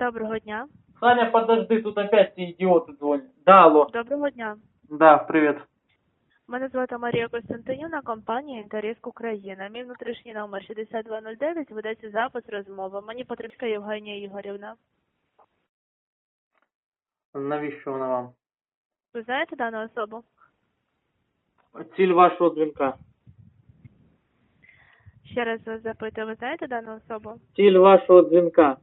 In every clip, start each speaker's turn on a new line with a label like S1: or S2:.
S1: Доброго дня.
S2: Саня, подожди, тут опять эти идиоты звонят. Да, алло.
S1: Доброго дня.
S2: Да, привет.
S1: Мене звати Марія Костянтинівна, компанія «Інтеріск Україна». Мій внутрішній номер 6209, ведеться запис розмови. Мені потрібна Євгенія Ігорівна.
S2: Навіщо вона вам?
S1: Ви знаєте дану особу?
S2: Ціль вашого дзвінка.
S1: Ще раз вас запитую, ви знаєте дану особу?
S2: Ціль вашого дзвінка.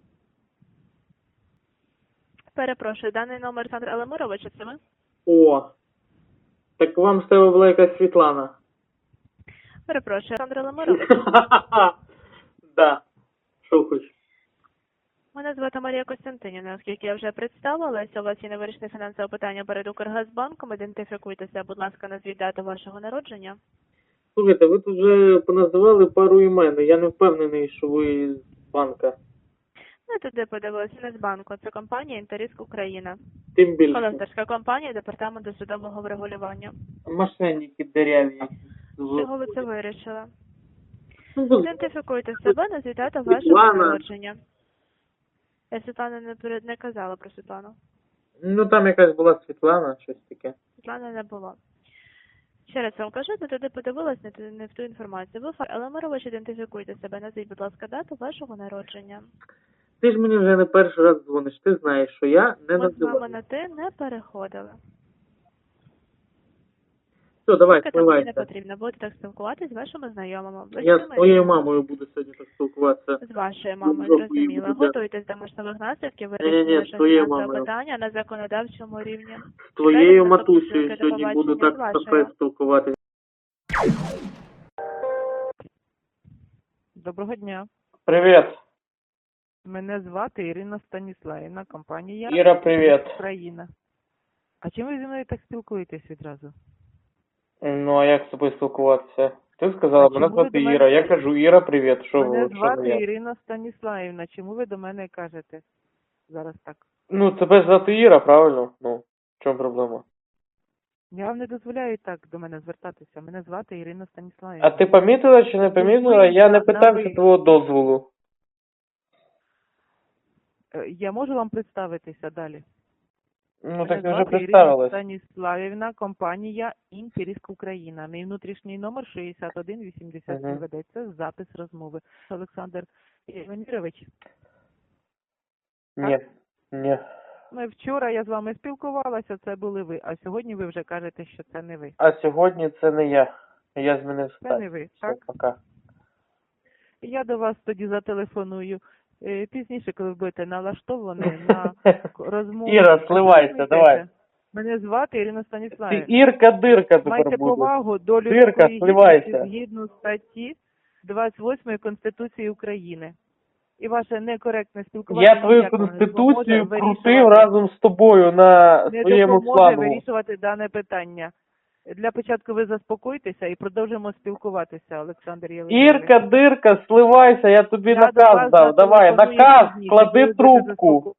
S1: Перепрошую, даний номер Олександр Елемирович, це ви?
S2: О. Так вам з тебе була якась Світлана.
S1: Перепрошую, Олександр Елемирович.
S2: Да. Що хочеш?
S1: Мене звати Марія Костянтинівна, оскільки я вже представилася, у вас є невирішене фінансове питання перед Укргазбанком. Ідентифікуйтеся, будь ласка, назвіть дату вашого народження.
S2: Слухайте, ви тут вже поназивали пару імен. Я не впевнений, що ви з банка.
S1: Ну, туди подивилися, не з банку. Це компанія «Інтеріск Україна».
S2: Тим більше.
S1: Колекторська компанія Департаменту судового врегулювання.
S2: Мошенники дерев'я.
S1: Чого ви це вирішили?
S2: Ну,
S1: Ідентифікуйте себе, назвіть дату вашого
S2: Світлана.
S1: народження. Я Світлана не казала про Світлану.
S2: Ну там якась була Світлана, щось таке.
S1: Світлани не було. Ще раз вам кажу, ви туди подивилась не в ту інформацію. Ви, Елемирович, ідентифікуйте себе, назвіть, будь ласка, дату вашого народження.
S2: Ти ж мені вже не перший раз дзвониш, ти знаєш, що я не
S1: Ми з вами
S2: називаю.
S1: на ти не переходили.
S2: Все, давай,
S1: Тільки там мені не
S2: спливайся.
S1: потрібно. Будете так спілкуватися з вашими знайомими. Ви
S2: Я з
S1: знаєте?
S2: твоєю мамою буду сьогодні так спілкуватися.
S1: З вашою мамою,
S2: Ну,
S1: зрозуміла.
S2: буде.
S1: Готуйтесь до можливих наслідків,
S2: Ні-ні-ні,
S1: вирішення
S2: з твоєю
S1: фінансового
S2: мамою.
S1: питання на законодавчому рівні.
S2: З твоєю
S1: Далі
S2: матусею
S1: наступне
S2: сьогодні
S1: побачення
S2: буду
S1: з
S2: так
S1: вашою.
S2: кафе спілкуватися.
S3: Доброго дня.
S2: Привіт.
S3: Мене звати Ірина Станіславівна, компанія
S2: Іра, привіт.
S3: Україна. А чим ви зі мною так спілкуєтесь відразу?
S2: Ну, а як з тобою спілкуватися? Ти сказала,
S3: А
S2: мене
S3: чому ви
S2: звати
S3: до мене-
S2: Іра. Я кажу, Іра, привіт. Що
S3: Мене
S2: ви? Що
S3: звати
S2: я?
S3: Ірина Станіславівна. Чому ви до мене кажете зараз так?
S2: Ну, тебе звати Іра, правильно? Ну, в чому проблема?
S3: Я вам не дозволяю так до мене звертатися. Мене звати Ірина Станіславівна.
S2: А ти помітила чи не помітила? Я не питався
S3: ви.
S2: твого дозволу.
S3: Я можу вам представитися далі?
S2: Ну, так ти
S3: Мене
S2: вже
S3: звати Ірина
S2: представилась.
S3: Станіславівна, компанія «Інтеріск Україна». Мій внутрішній номер 6180.
S2: Мгм.
S3: Ведеться запис розмови. Олександр Іванович.
S2: Ні, ні.
S3: Ну, вчора я з вами спілкувалася, це були ви, а сьогодні ви вже кажете, що це не ви.
S2: А сьогодні це не я. Я змінив
S3: Це
S2: стать.
S3: не ви,
S2: Все,
S3: так?
S2: пока.
S3: Я до вас тоді зателефоную пізніше, коли ви будете налаштовані на розмову.
S2: Іра, сливайся,
S3: Слухайте,
S2: давай.
S3: Мене звати Ірина
S2: Ти
S3: Станіславівна.
S2: Ірка-дирка
S3: Майте
S2: тепер буде.
S3: повагу до
S2: Дирка,
S3: людської
S2: сливайся.
S3: гідності згідно статті 28 Конституції України. І ваше некоректне спілкування
S2: Я твою
S3: ніяк не
S2: конституцію
S3: допоможе
S2: крутив
S3: вирішувати-
S2: разом з тобою на
S3: не
S2: своєму
S3: допоможе
S2: флангу.
S3: вирішувати дане питання. Для початку ви заспокойтеся і продовжимо спілкуватися, Олександр Євгенович.
S2: Ірка-дирка, сливайся, я тобі
S3: Я до
S2: наказ
S3: вас
S2: дав. Давай,
S3: зателефоную
S2: наказ,
S3: пізніше,
S2: клади
S3: коли будете
S2: трубку.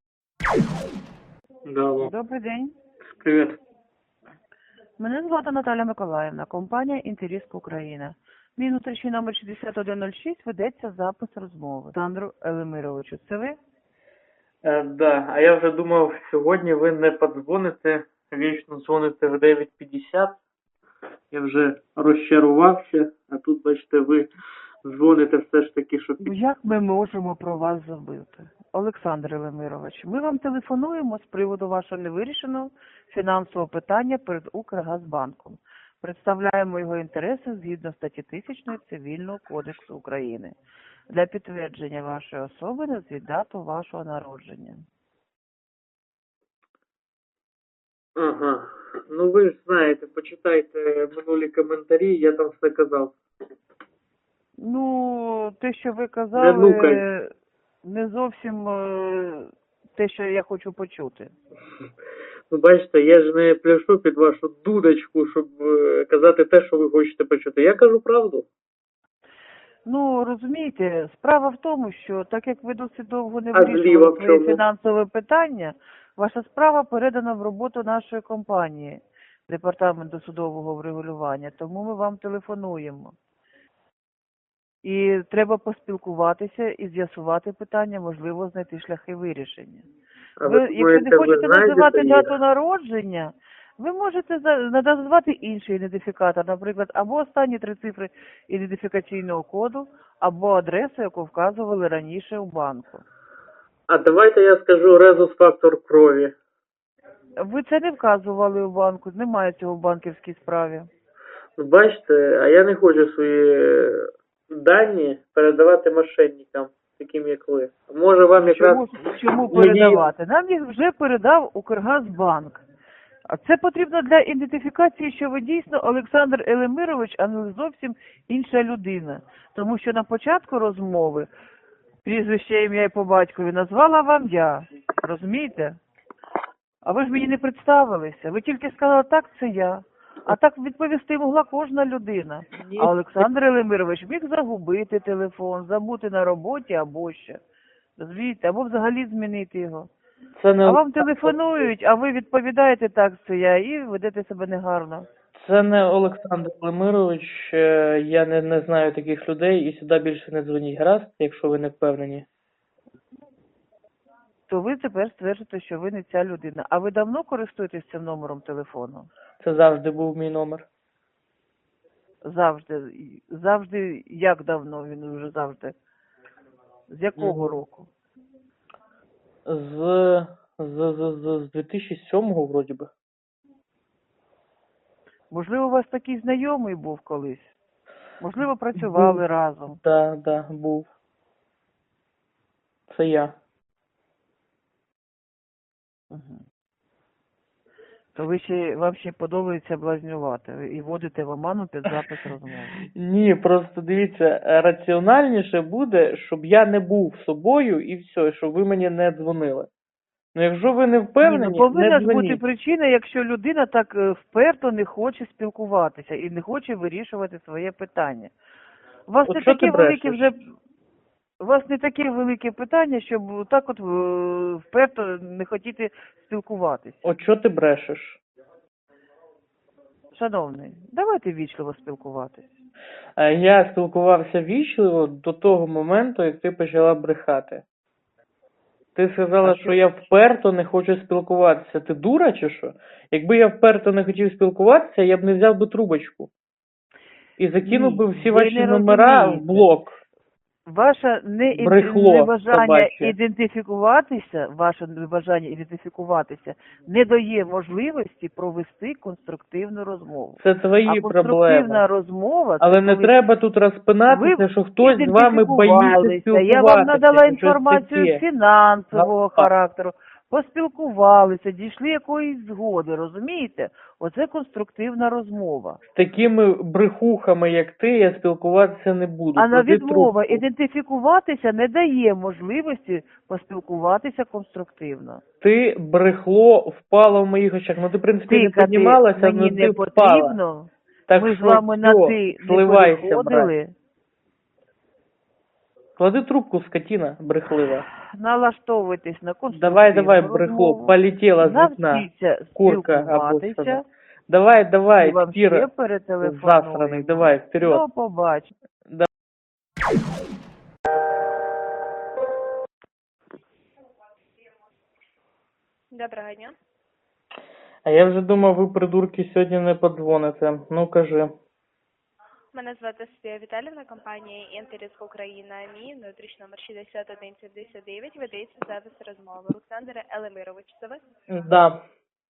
S3: Добрий день.
S2: Привіт.
S3: Мене звати Наталя Миколаївна, компанія «Інтеріск Україна». Мій внутрішній номер 6106, ведеться запис розмови. Олександру Елемировичу, це ви?
S2: Да, а я вже думав, сьогодні ви не подзвоните, вічно дзвоните в 9:50. Я вже розчарувався, а тут, бачите, ви дзвоните все ж таки, що
S3: Ну, як ми можемо про вас забути? Олександр Елемирович, ми вам телефонуємо з приводу вашого невирішеного фінансового питання перед Укргазбанком. Представляємо його інтереси згідно статті 1000 Цивільного кодексу України. Для підтвердження вашої особи назвіть дату вашого народження.
S2: Ага. Ну ви ж знаєте, почитайте минулі коментарі, я там все казав.
S3: Ну, те, що ви
S2: Не
S3: казали,
S2: нукай.
S3: не зовсім те, що я хочу почути.
S2: Ну, бачите, я ж не пляшу під вашу дудочку, щоб казати те, що ви хочете почути. Я кажу правду.
S3: Ну, розумієте, справа в тому, що так як ви досить довго не
S2: А зліва
S3: вирішували
S2: в
S3: своє
S2: чому?
S3: фінансове питання, ваша справа передана в роботу нашої компанії, Департаменту судового врегулювання, тому ми вам телефонуємо. І треба поспілкуватися і з'ясувати питання, можливо, знайти шляхи вирішення.
S2: А
S3: Ви,
S2: ви
S3: якщо
S2: думаєте,
S3: не
S2: ви
S3: хочете
S2: знайдете
S3: називати
S2: їх?
S3: дату народження, ви можете назвати інший ідентифікатор, наприклад, або останні 3 цифри ідентифікаційного коду, або адресу, яку вказували раніше у банку.
S2: А давайте я скажу резус-фактор крові.
S3: Ви це не вказували у банку, немає цього в банківській справі.
S2: Ну, бачите, а я не хочу свої дані передавати мошенникам, таким як ви. Може вам якраз
S3: Чому
S2: мої-
S3: передавати? Нам їх вже передав Укргазбанк. А це потрібно для ідентифікації, що ви дійсно Олександр Елемирович, а не зовсім інша людина. Тому що на початку розмови прізвище, ім'я і по батькові назвала вам я. Розумієте? А ви ж мені не представилися. Ви тільки сказали, так, це я. А так відповісти могла кожна людина.
S2: Ні.
S3: А Олександр Елемирович міг загубити телефон, забути на роботі або ще. Розумієте? Або взагалі змінити його.
S2: Це не
S3: А вам телефонують, а ви відповідаєте, так, це я, і ведете себе негарно.
S2: Це не Олександр Лемирович, я не знаю таких людей і сюди більше не дзвоніть. Гаразд, якщо ви не впевнені.
S3: То ви тепер стверджуєте, що ви не ця людина. А ви давно користуєтесь цим номером телефону?
S2: Це завжди був мій номер.
S3: Завжди. Завжди, як давно він вже завжди? З якого року?
S2: З 2007-го, вроді би.
S3: Можливо, у вас такий знайомий був колись? Можливо, працювали разом?
S2: Да, був. Це я.
S3: Угу. То вам ще подобається блазнювати і вводите в оману під запис розмови.
S2: Ні, просто дивіться, раціональніше буде, щоб я не був собою і все, щоб ви мені не дзвонили. Ну, якщо ви не впевнені,
S3: повинна
S2: не
S3: ж бути
S2: дзвоніть.
S3: причина, якщо людина так вперто не хоче спілкуватися і не хоче вирішувати своє питання. У вас
S2: От
S3: не
S2: що
S3: таке
S2: ти
S3: велике
S2: брешеш?
S3: вже. У вас не таке велике питання, щоб так от вперто не хотіти спілкуватися.
S2: От що ти брешеш?
S3: Шановний, давайте вічливо спілкуватись.
S2: Я спілкувався вічливо до того моменту, як ти почала брехати. Ти сказала, що я вперто не хочу спілкуватися. Ти дура чи що? Якби я вперто не хотів спілкуватися, я б не взяв би трубочку. І закинув би всі
S3: ви
S2: ваші
S3: не
S2: номера в
S3: розумієте.
S2: блок.
S3: Ваше
S2: Брехло
S3: небажання
S2: собаче.
S3: ідентифікуватися не дає можливості провести конструктивну розмову.
S2: Це твої
S3: А конструктивна
S2: проблеми.
S3: розмова,
S2: Але
S3: це
S2: не
S3: коли
S2: треба тут розпинатися,
S3: ви
S2: що хтось з вами боїться
S3: ідентифікувалися.
S2: спілкуватися.
S3: Я вам надала
S2: щось
S3: інформацію
S2: таке.
S3: фінансового
S2: Так.
S3: характеру, поспілкувалися, дійшли якоїсь згоди, розумієте? Оце конструктивна розмова.
S2: З такими брехухами, як ти, я спілкуватися не буду.
S3: А на
S2: Клади
S3: відмова
S2: трубку.
S3: ідентифікуватися не дає можливості поспілкуватися конструктивно.
S2: Ти брехло впало в моїх очах. Ну ти, в принципі, не
S3: Тикати
S2: піднімалася,
S3: мені
S2: але
S3: не
S2: ти впала.
S3: потрібно.
S2: Так
S3: Ми з
S2: що
S3: вами на
S2: всьо,
S3: ти не
S2: сливайся, брат.
S3: переходили.
S2: Клади трубку, скотина брехлива.
S3: Налаштовуйтесь на конструктивну
S2: Давай, брехло,
S3: розмову.
S2: полетіла з вікна.
S3: Навчіться
S2: Курка або
S3: спілкуватися.
S2: сова. Давай,
S3: І вам ще
S2: Кіра,
S3: перетелефонуємо.
S2: засраний, давай, вперед.
S3: До побачення.
S1: Доброго дня.
S2: А я вже думав, ви, придурки, сьогодні не подзвоните. Ну, кажи.
S1: Мене звати Софія Віталіївна, компанія «Інтеріск Україна». Мій внутрішній номер 6179, ведеться запис розмови. Олександр Елемирович, це ви?
S2: Да.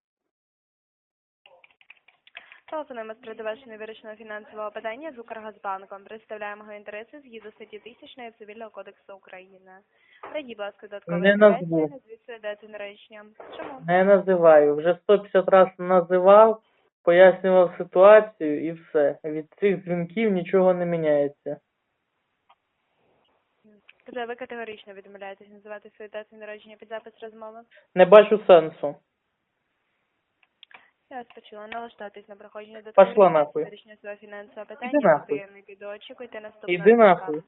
S1: Телефонуємо з приводу вашого невирішеного фінансового питання з Укргазбанком. Представляємо його інтереси згідно статті 1000 Цивільного кодексу України. Пройдіть, будь ласка, додаткову
S2: Не
S1: інформацію,
S2: назву.
S1: назвіть свою дату народження. Чому?
S2: Не називаю. Вже 150 разів називав, пояснював ситуацію і все. Від цих дзвінків нічого не міняється.
S1: Тобто ви категорично відмовляєтесь називати свою дату народження під запис розмови?
S2: Не бачу сенсу.
S1: Я вас почула. Налаштуватись на проходження до
S2: Пошла нахуй.
S1: вирішення свого фінансового питання.
S2: Іди нахуй.
S1: Поки я не піду, очікуйте наступного.
S2: Іди нахуй.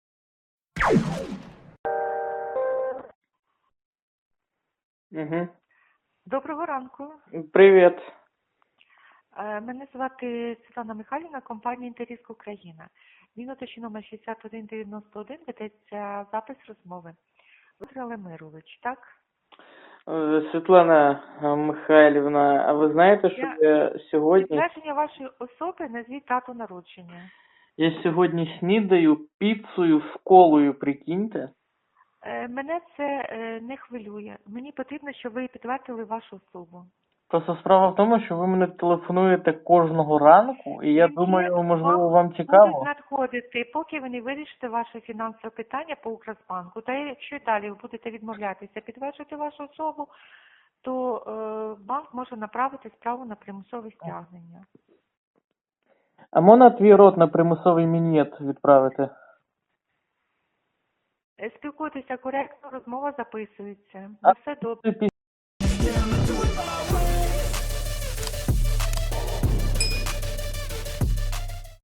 S2: Угу.
S4: Доброго ранку.
S2: Привіт.
S4: Мене звати Світлана Михайлівна, компанія «Інтеріск Україна». Він уточнює номер 6191, ведеться запис розмови. Віктор Лемирович, так?
S2: Світлана Михайлівна, а ви знаєте, що я сьогодні...
S4: Підтвердження вашої особи, назвіть дату народження.
S2: Я сьогодні снідаю піцею з колою, прикиньте.
S4: Мене це не хвилює. Мені потрібно, щоб ви підтвердили вашу особу.
S2: Просто справа в тому, що ви мене телефонуєте кожного ранку, і я думаю, можливо, вам цікаво.
S4: Будуть надходити, поки ви не вирішите ваше фінансове питання по Укргазбанку. Та якщо і далі ви будете відмовлятися підтверджувати вашу особу, то банк може направити справу на примусове стягнення.
S2: А можна твій рот на примусовий мін'єт відправити?
S4: Спілкуйтеся коректно, розмова записується.
S2: А
S4: Все добре.
S2: ти